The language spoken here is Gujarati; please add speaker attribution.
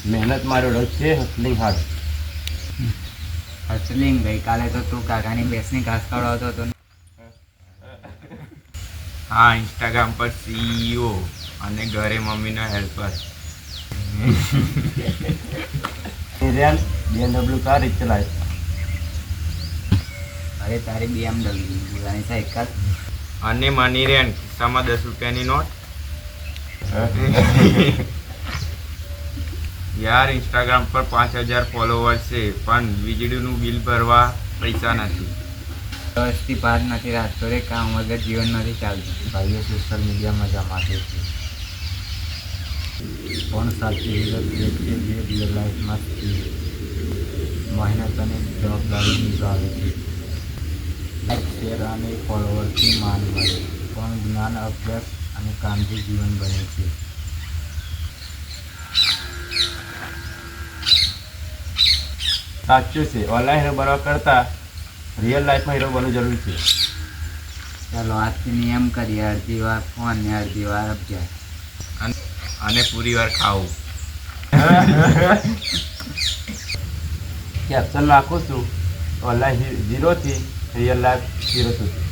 Speaker 1: મહેનત મારો રસ છે, હસલિંગ હાર્ડ.
Speaker 2: હસલિંગ ગઈકાલે તો તું કાકાની ભેંસની ઘાસ ખવડાવતો હતો ને.
Speaker 3: હા, ઇન્સ્ટાગ્રામ પર CEO અને ઘરે મમ્મીનો હેલ્પર.
Speaker 1: નિર્યાન BMW કાર ચલાય.
Speaker 2: અરે તારી BMW અને સાયકલ.
Speaker 3: અને મની રેન ખિસ્સામાં 10 રૂપિયાની નોટ. યાર ઇન્સ્ટાગ્રામ પર 5000 ફોલોવર્સ છે, પણ વીજળીનું બિલ ભરવા પૈસા નથી.
Speaker 2: વર્ષથી બહાર નથી રાખતો રે, કામ વગર જીવન નથી ચાલતું.
Speaker 1: ભાઈઓ સોશિયલ મીડિયા મજા માટે છે, પણ સાચી વિગત એ છે જે રિયલ લાઈફમાં મહેનત અને જવાબદારી નિભાવે છે. લાઈક, શેર અને ફોલોવરથી માન મળે, પણ જ્ઞાન, અભ્યાસ અને કામથી જીવન બને છે. સાચું છે. ઓનલાઈન હીરો બનવા કરતાં રિયલ લાઈફમાં હીરો બનવું જરૂરી છે.
Speaker 2: ચાલો આજથી નિયમ કરીએ, અડધી વાર ફોન ને અડધી વાર અભ્યાસ.
Speaker 3: અને પૂરી વાર ખાવું.
Speaker 1: કેપ્શન નાખું છું, ઓનલાઈન ઝીરોથી રિયલ લાઈફ હીરો સુધી.